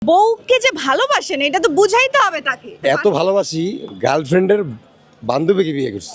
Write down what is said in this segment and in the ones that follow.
বউকে যে ভালোবাসেন এটা তো বুঝাইতে হবে তাকে। এত ভালোবাসি গার্লফ্রেন্ডের বান্ধবীকে বিয়ে করছি।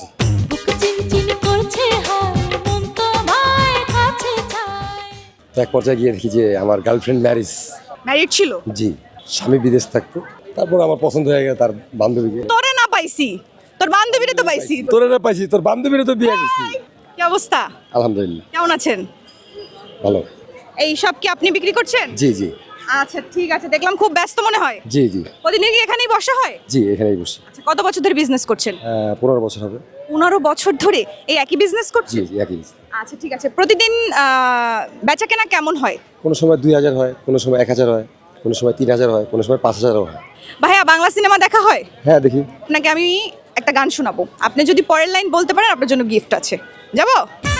তো এক পর্যায়ে গিয়ে দেখি যে আমার গার্লফ্রেন্ড ম্যারিড ছিল। জি, স্বামী বিদেশ থাকতো। তারপর আমার পছন্দ হয়ে গেল তার বান্ধবীকে। তোরে না পাইছি, তোর বান্ধবীরে তো পাইছি। তোরে না পাইছি, তোর বান্ধবীরে তো বিয়ে করছি। কি অবস্থা? আলহামদুলিল্লাহ, কেমন আছেন? ভালো। এই সব কি আপনি বিক্রি করছেন? জি জি। আচ্ছা ঠিক আছে, দেখলাম খুব ব্যস্ত মনে হয়। জি জি। প্রতিদিন কি এখানেই বসা হয়? জি, এখানেই বসি। আচ্ছা, কত বছর ধরে বিজনেস করছেন? 15 বছর হবে। 15 বছর ধরে এই একই বিজনেস জি করছেন? জি, একই। আচ্ছা ঠিক আছে, প্রতিদিন বেচা কেনা কেমন হয়? কোনো সময় 2000 হয়, কোনো সময় 1000 হয়, কোনো সময় 3000 হয়, কোনো সময় 5000 হয়। ভাইয়া, বাংলা সিনেমা দেখা হয়? হ্যাঁ, দেখি। আপনাকে আমি একটা গান শোনাবো, আপনি যদি পরের লাইন বলতে পারেন আপনার জন্য গিফট আছে। যাবো?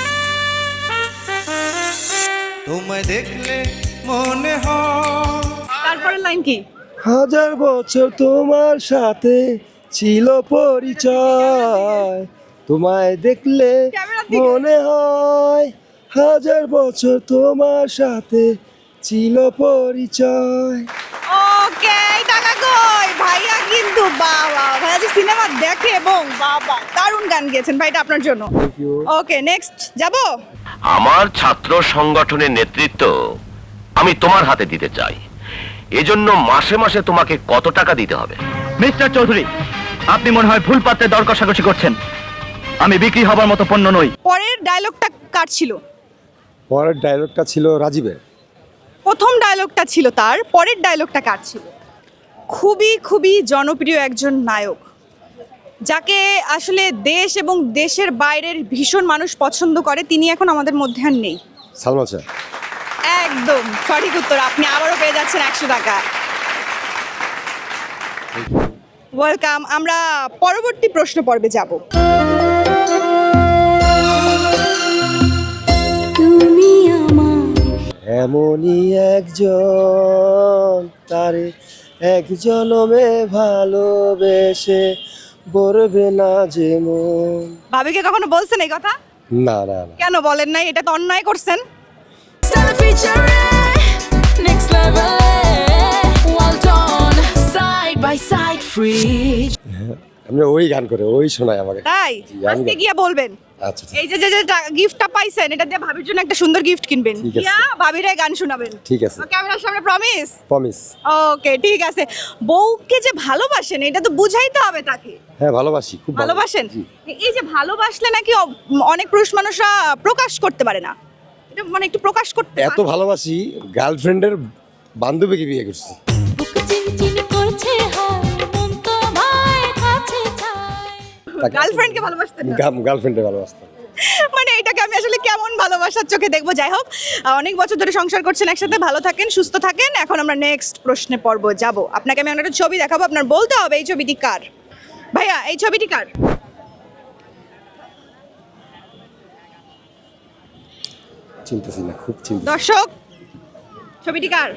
তোমায় দেখলে মনে হয় তারপরের লাইন কি? 1000 বছর তোমার সাথে ছিল পরিচয়, তোমায় দেখলে ক্যামেরার দিকে। মনে হয় 1000 বছর তোমার সাথে ছিল পরিচয়। ওকে, টাকা কই? ভাইয়া কিন্তু বাবা, ভাইয়া যে সিনেমা দেখে এবং বাবা দারুণ গান গেয়েছেন ভাই, এটা আপনার জন্য। Thank you. ওকে, নেক্সট যাবো? আমার ছাত্র সংগঠনের নেতৃত্ব আমি তোমার হাতে দিতে চাই। এজন্য মাসে মাসে তোমাকে কত টাকা দিতে হবে? মিস্টার চৌধুরী, আপনি মনে হয় ভুল পাত্রে দর কষাকষি করছেন। আমি বিক্রি হবার মতো পণ্য নই। পরের ডায়লগটা কার ছিল? পরের ডায়লগটা ছিল রাজীবের। প্রথম ডায়লগটা ছিল তার, পরের ডায়লগটা কার ছিল? খুবই খুবই জনপ্রিয় একজন নায়ক, যাকে আসলে দেশ এবং দেশের বাইরের ভীষণ মানুষ পছন্দ করে, তিনি এখন আমাদের মধ্যে আর নেই। সালমান শাহ। একদম সঠিক উত্তর, আপনি আবারও পেয়ে যাচ্ছেন 100 টাকা। ওয়েলকাম। আমরা পরবর্তী প্রশ্ন পর্বে যাব। এমনই একজন, তারে এক জনমে ভালোবেসে বলবে না যে মন। ভাবিকে কখনো বলছেন এই কথা? না না না। কেন বলেন নাই? এটা তো অন্যায় করছেন। Next level, well done, side by side, free. আমি ওই গান করে ওই শোনায় আমাকে। তাই জি, আমি আজকে গিয়া বলবেন। আচ্ছা ঠিক- এই যে যে গিফটটা পাইছেন, এটা দিয়ে ভাবির জন্য একটা সুন্দর গিফট কিনবেন, ঠিক আছে। গিয়া ভাবিরে গান শোনাবেন। ঠিক আছে, ক্যামেরার সামনে প্রমিস? প্রমিস। ওকে ঠিক আছে। বউকে যে ভালোবাসেন এটা তো বুঝাইতে হবে তাকে। হ্যাঁ, ভালোবাসি, খুব ভালোবাসেন? জি। এই যে ভালোবাসলে নাকি অনেক পুরুষ মানুষরা প্রকাশ করতে পারে না, এটা মানে একটু প্রকাশ করতে এত ভালোবাসি গার্লফ্রেন্ডের বান্ধবীকে বিয়ে করছি। গার্লফ্রেন্ডকে ভালোবাসতে না? গার্লফ্রেন্ডে ভালোবাসতাম। মানে এটাকে আমি আসলে কেমন ভালোবাসার চোখে দেখবো। যাই হোক, অনেক বছর ধরে সংসার করছেন একসাথে, ভালো থাকেন, সুস্থ থাকেন। এখন আমরা নেক্সট প্রশ্নে পর্ব যাব। আপনাকে আমি একটা ছবি দেখাবো, আপনার বলতে হবে এই ছবিটি কার। ভাইয়া, এই ছবিটি কার? চিন্তাছি না, খুব চিন্তা। দর্শক, ছবিটি কার?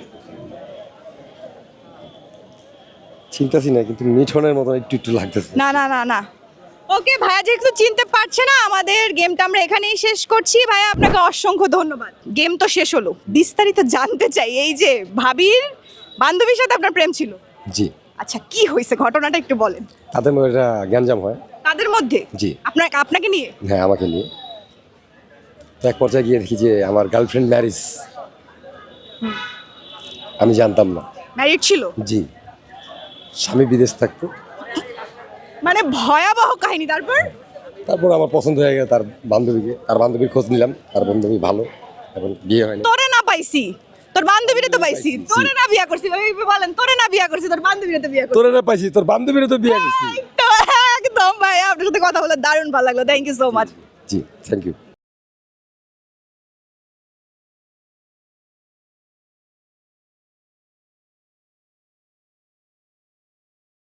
চিন্তাছি না, কিন্তু মিঠনের মতো একটু একটু লাগতেছে। না না না না। ওকে ভাইয়া, যেহেতু চিনতে পারছে না, আমাদের গেমটা আমরা এখানেই শেষ করছি। ভাইয়া, আপনাকে অসংখ্য ধন্যবাদ। গেম তো শেষ হলো, বিস্তারিত জানতে চাই। এই যে ভাবির বান্ধবীর সাথে আপনার প্রেম ছিল, জি। আচ্ছা কি হয়েছে ঘটনাটা একটু বলেন। তাদের মধ্যে একটা গ্যাঞ্জাম হয়। তাদের মধ্যে? জি। আপনাকে নিয়ে? হ্যাঁ, আমাকে নিয়ে। তো এক পর্যায়ে গিয়ে দেখি যে আমার গার্লফ্রেন্ড আমি জানতাম না। ম্যারিড ছিল? জি, স্বামী বিদেশ থাকতো। মানে ভয়াবহ কাহিনী। তারপর আমার পছন্দ হয়ে গেল তার বান্ধবীকে। তার বান্ধবীর খোঁজ নিলাম, তার বান্ধবী ভালো, এবং বিয়ে হয়নি। তোরে না পাইছি, তোর বান্ধবীরে তো পাইছি। জি। তোরে না বিয়া করছি, বলেন তোরে না বিয়া করছি, তোর বান্ধবীরে তো বিয়া করছি। তোরে না পাইছি, তোর বান্ধবীরে তো বিয়ে করছি। তো একদম ভাই, আপনার সাথে কথা বলে দারুণ ভালো লাগলো। Thank you so much. জি, থ্যাংক ইউ।